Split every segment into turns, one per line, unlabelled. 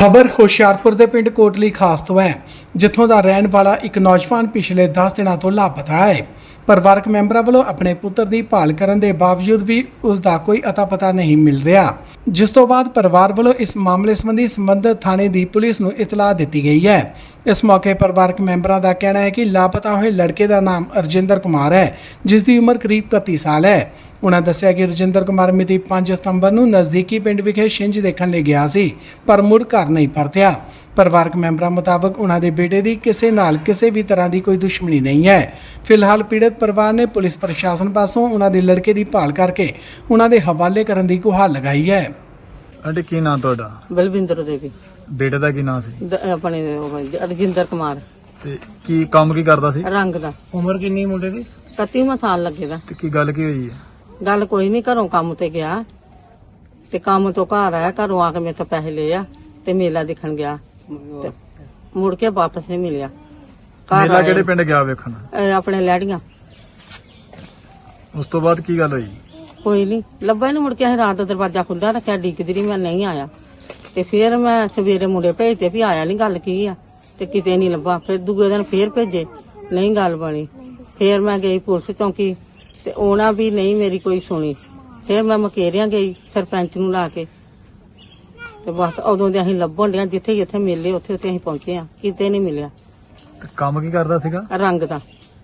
ਖਬਰ ਹੁਸ਼ਿਆਰਪੁਰ ਦੇ ਪਿੰਡ ਕੋਟਲੀ ਖਾਸ ਤੋਂ ਹੈ, ਜਿੱਥੋਂ ਦਾ ਰਹਿਣ ਵਾਲਾ ਇੱਕ ਨੌਜਵਾਨ ਪਿਛਲੇ 10 ਦਿਨਾਂ ਤੋਂ ਲਾਪਤਾ ਹੈ। ਪਰਿਵਾਰਕ ਮੈਂਬਰਾਂ ਵੱਲੋਂ ਆਪਣੇ ਪੁੱਤਰ ਦੀ ਭਾਲ ਕਰਨ ਦੇ ਬਾਵਜੂਦ ਵੀ ਉਸ ਦਾ ਕੋਈ ਅਤਾ ਪਤਾ ਨਹੀਂ ਮਿਲ ਰਿਹਾ, ਜਿਸ ਤੋਂ ਬਾਅਦ ਪਰਿਵਾਰ ਵੱਲੋਂ ਇਸ ਮਾਮਲੇ ਸੰਬੰਧੀ ਸੰਬੰਧਿਤ ਥਾਣੇ ਦੀ ਪੁਲਿਸ ਨੂੰ ਇਤਲਾਹ ਦਿੱਤੀ ਗਈ ਹੈ। ਇਸ ਮੌਕੇ ਪਰਿਵਾਰਕ ਮੈਂਬਰਾਂ ਦਾ ਕਹਿਣਾ ਹੈ ਕਿ ਲਾਪਤਾ ਹੋਏ ਲੜਕੇ ਦਾ ਨਾਮ ਰਜਿੰਦਰ ਕੁਮਾਰ ਹੈ, ਜਿਸ ਦੀ ਉਮਰ ਕਰੀਬ 31 ਸਾਲ ਹੈ। ਉਨ੍ਹਾਂ ਦੱਸਿਆ ਕਿ ਰਜਿੰਦਰ ਕੁਮਾਰ ਮਿਤੀ 5 ਸਤੰਬਰ ਨੂੰ ਨਜ਼ਦੀਕੀ ਪਿੰਡ ਵਿਖੇ ਛਿੰਝ ਦੇਖਣ ਲਈ ਗਿਆ ਸੀ, ਪਰ ਮੁੜ ਘਰ ਨਹੀਂ ਪਰਤਿਆ। ਪਰਿਵਾਰਕ ਮੈਂਬਰਾਂ ਮੁਤਾਬਕ ਉਨ੍ਹਾਂ ਦੇ ਬੇਟੇ ਦੀ ਕਿਸੇ ਨਾਲ ਕਿਸੇ ਵੀ ਤਰ੍ਹਾਂ ਦੀ ਕੋਈ ਦੁਸ਼ਮਣੀ ਨਹੀਂ ਹੈ। ਫਿਲਹਾਲ ਪੀੜਤ ਪਰਿਵਾਰ ਨੇ ਪੁਲਿਸ ਪ੍ਰਸ਼ਾਸਨ ਪਾਸੋਂ ਉਨ੍ਹਾਂ ਦੇ ਲੜਕੇ ਦੀ ਭਾਲ ਕਰਕੇ ਉਨ੍ਹਾਂ ਦੇ ਹਵਾਲੇ ਕਰਨ ਦੀ ਗੁਹਾਰ ਲਗਾਈ ਹੈ।
ਆਂਟੀ ਕੀ ਨਾਮ ਤੁਹਾਡਾ?
ਬਲਵਿੰਦਰ ਦੇਵੀ।
ਬੇਟੇ ਦਾ ਕੀ ਨਾਮ ਸੀ?
ਆਪਣੇ ਰਜਿੰਦਰ ਕੁਮਾਰ।
ਤੇ ਕੀ ਕੰਮ ਕੀ ਕਰਦਾ ਸੀ?
ਰੰਗ ਦਾ।
ਉਮਰ ਕਿੰਨੀ ਮੁੰਡੇ ਦੀ?
31ਵਾਂ ਸਾਲ ਲੱਗੇਗਾ।
ਤੇ ਕੀ ਗੱਲ ਕੀ ਹੋਈ ਹੈ?
ਗੱਲ ਕੋਈ ਨਹੀਂ, ਘਰੋਂ ਕੰਮ ਤੇ ਗਿਆ ਤੇ ਕੰਮ ਤੋਂ ਘਰ ਆਇਆ, ਘਰੋਂ ਆ ਕੇ ਮੇਰੇ ਤੋਂ ਪੈਸੇ ਲਏ ਆ ਤੇ ਮੇਲਾ ਦੇਖਣ ਗਿਆ ਤੇ ਮੁੜ ਕੇ ਵਾਪਸ ਨਹੀਂ ਮਿਲਿਆ।
ਮੇਲਾ ਕਿਹੜੇ ਪਿੰਡ ਗਿਆ ਵੇਖਣ?
ਆਪਣੇ ਲੈੜੀਆਂ।
ਉਸ ਤੋਂ ਬਾਅਦ ਕੀ ਗੱਲ ਹੋਈ?
ਕੋਈ ਨਹੀਂ ਲੱਭਾ, ਨਹੀਂ ਮੁੜ ਕੇ ਅਸੀਂ ਰਾਤ ਦਾ ਦਰਵਾਜ਼ਾ ਖੁੱਲ੍ਹਾ ਰੱਖਿਆ, ਡੀਕਦੀ ਰਹੀ, ਮੈਂ ਨਹੀਂ ਆਇਆ। ਤੇ ਫਿਰ ਮੈਂ ਸਵੇਰੇ ਮੁੰਡੇ ਭੇਜਦੇ ਵੀ ਆਇਆ ਨਹੀਂ, ਗੱਲ ਕੀ ਆ, ਤੇ ਕਿਤੇ ਨਹੀਂ ਲੱਭਾ। ਫਿਰ ਦੂਜੇ ਦਿਨ ਫੇਰ ਭੇਜੇ, ਨਹੀਂ ਗੱਲ ਬਣੀ। ਫਿਰ ਮੈਂ ਗਈ ਪੁਲਿਸ ਚੌਂਕੀ ਤੇ ਉਹਨਾਂ ਵੀ ਨਹੀਂ ਮੇਰੀ ਕੋਈ ਸੁਣੀ। ਫਿਰ ਮੈਂ ਮਕੇਰਿਆਂ ਗਈ ਸਰਪੰਚ ਨੂੰ ਲਾ ਕੇ, ਤੇ ਬਸ ਉਦੋਂ ਦੇ ਅਸੀਂ ਲੱਭਣ ਡਿਆ, ਜਿੱਥੇ ਜਿੱਥੇ ਮਿਲੇ ਉੱਥੇ ਉੱਥੇ ਅਸੀਂ ਪਹੁੰਚੇ ਆ, ਕਿਤੇ ਨਹੀਂ ਮਿਲਿਆ।
ਤੇ ਕੰਮ ਕੀ ਕਰਦਾ ਸੀਗਾ?
ਰੰਗ ਦਾ।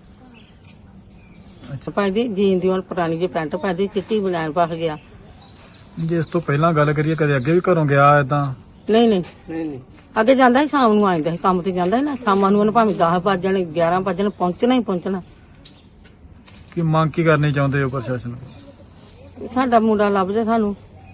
ਪਾਈਦੀ ਜੀਨ ਦੀ ਹੁਣ ਪੁਰਾਣੀ ਜਿਹੀ ਪੈਂਟ ਪਾਈਦੀ, ਚਿੱਟੀ ਬਲੈਣ ਪਾ ਗਿਆ।
ਜੇ ਇਸ ਤੋਂ ਪਹਿਲਾਂ ਗੱਲ ਕਰੀਏ, ਕਦੇ ਅੱਗੇ ਵੀ ਘਰੋਂ ਗਿਆ ਏਦਾਂ?
ਨਹੀਂ ਅੱਗੇ ਜਾਂਦਾ ਸੀ, ਸ਼ਾਮ ਨੂੰ ਆ ਜਾਂਦਾ ਸੀ, ਕੰਮ ਤੇ ਜਾਂਦਾ ਸੀ ਨਾ, ਸ਼ਾਮਾਂ ਨੂੰ ਉਹਨੇ ਭਾਵੇਂ 10 ਵਜ ਜਾਣੇ 11 ਵਜ ਜਾਣੇ, ਪਹੁੰਚਣਾ ਹੀ ਪਹੁੰਚਣਾ।
ਕੀ ਮੰਗ ਕੀ ਕਰਨੀ ਚਾਹੁੰਦੇ ਹੋ ਪ੍ਰਸ਼ਾਸਨ ਨੂੰ?
ਸਾਡਾ ਮੁੰਡਾ ਲੱਭਦੇ ਸਾਨੂੰ,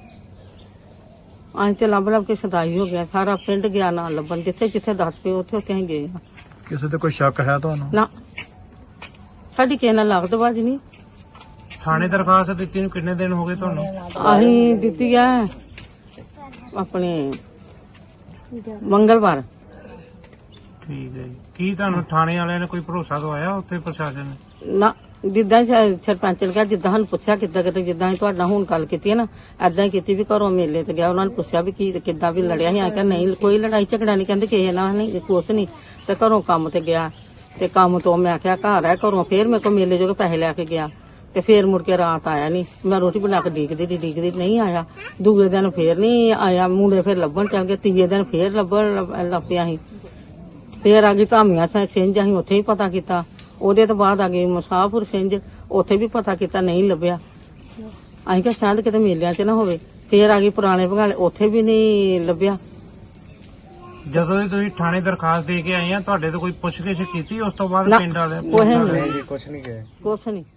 ਅਸੀਂ ਤੇ ਲੱਭ ਕੇ ਸਦਾਈ ਹੋ ਗਿਆ, ਸਾਰਾ ਪਿੰਡ ਗਿਆ ਨਾ ਲੱਭਣ, ਜਿੱਥੇ ਜਿੱਥੇ ਦੱਸ ਪਏ ਉੱਥੇ ਉੱਥੇ ਅਸੀਂ ਗਏ।
ਕਿਸੇ ਤੇ ਕੋਈ ਸ਼ੱਕ ਹੈ ਤੁਹਾਨੂੰ?
ਨਾ, ਸਾਡੀ ਕਿਸੇ ਨਾਲ ਲੱਗਦ ਬਾਜ ਨਹੀਂ।
ਥਾਣੇ ਦਰਖਾਸਤ ਦਿੱਤੀ ਨੂੰ ਕਿੰਨੇ ਦਿਨ ਹੋ ਗਏ ਤੁਹਾਨੂੰ?
ਅਸੀਂ ਦਿੱਤੀ ਆ ਆਪਣੇ ਮੰਗਲਵਾਰ।
ਠੀਕ ਹੈ ਜੀ। ਕੀ ਤੁਹਾਨੂੰ ਥਾਣੇ ਵਾਲਿਆਂ ਨੇ ਕੋਈ ਭਰੋਸਾ ਦਵਾਇਆ ਉੱਥੇ ਪ੍ਰਸ਼ਾਸਨ ਨੇ?
ਨਾ, ਜਿੱਦਾਂ ਸਰਪੰਚ ਨੇ ਕਿਹਾ, ਜਿੱਦਾਂ ਸਾਨੂੰ ਪੁੱਛਿਆ ਕਿੱਦਾਂ ਕਿਤੇ, ਜਿੱਦਾਂ ਅਸੀਂ ਤੁਹਾਡਾ ਹੁਣ ਗੱਲ ਕੀਤੀ ਹੈ ਨਾ, ਏਦਾਂ ਹੀ ਕੀਤੀ ਵੀ ਘਰੋਂ ਮੇਲੇ ਤੇ ਗਿਆ, ਉਹਨਾਂ ਨੇ ਪੁੱਛਿਆ ਵੀ ਕੀ ਕਿੱਦਾਂ ਵੀ ਲੜਿਆ ਸੀ। ਆ ਕਿ ਨਹੀਂ, ਕੋਈ ਲੜਾਈ ਝਗੜਾ ਨਹੀਂ, ਕਹਿੰਦੇ ਕਿਸੇ ਨਾਲ ਨਹੀਂ, ਕੁਛ ਨਹੀਂ। ਤੇ ਘਰੋਂ ਕੰਮ ਤੇ ਗਿਆ, ਤੇ ਕੰਮ ਤੋਂ ਮੈਂ ਆਖਿਆ ਘਰ ਆ, ਘਰੋਂ ਫੇਰ ਮੇਰੇ ਕੋਲ ਮੇਲੇ ਜੋ ਪੈਸੇ ਲੈ ਕੇ ਗਿਆ, ਤੇ ਫੇਰ ਮੁੜ ਕੇ ਰਾਤ ਆਇਆ ਨਹੀਂ। ਮੈਂ ਰੋਟੀ ਬਣਾ ਕੇ ਡੀਕਦੀ ਨਹੀਂ ਆਇਆ। ਦੂਜੇ ਦਿਨ ਫੇਰ ਨਹੀਂ ਆਇਆ, ਮੁੰਡੇ ਫੇਰ ਲੱਭਣ ਚੱਲ ਗਏ। ਤੀਜੇ ਦਿਨ ਫੇਰ ਲੱਭਣ ਲੱਪਿਆ ਸੀ। ਫੇਰ ਆ ਗਈ ਧਾਮੀਆਂ ਸਿੰਝ, ਅਸੀਂ ਉੱਥੇ ਹੀ ਪਤਾ ਕੀਤਾ। ਉਹਦੇ ਤੋਂ ਬਾਅਦ ਆ ਗਈ ਮੁਸਾਫਰ ਸਿੰਝ, ਉੱਥੇ ਵੀ ਪਤਾ ਕੀਤਾ, ਨਹੀਂ ਲੱਭਿਆ। ਅਸੀਂ ਕਿਹਾ ਸ਼ਾਇਦ ਕਿਤੇ ਮੇਲਿਆਂ 'ਚ ਨਾ ਹੋਵੇ। ਫੇਰ ਆ ਗਈ ਪੁਰਾਣੇ ਭਗਾਲੇ, ਉੱਥੇ ਵੀ ਨਹੀਂ ਲੱਭਿਆ।
ਜਦੋਂ ਤੁਸੀਂ ਥਾਣੇ ਦਰਖਾਸਤ ਦੇ ਕੇ ਆਏ ਆ, ਤੁਹਾਡੇ ਤੋਂ ਕੋਈ ਪੁੱਛਗਿੱਛ ਕੀਤੀ ਉਸ ਤੋਂ ਬਾਅਦ ਪਿੰਡ ਵਾਲੇ?
ਕੁਛ ਨਹੀਂ।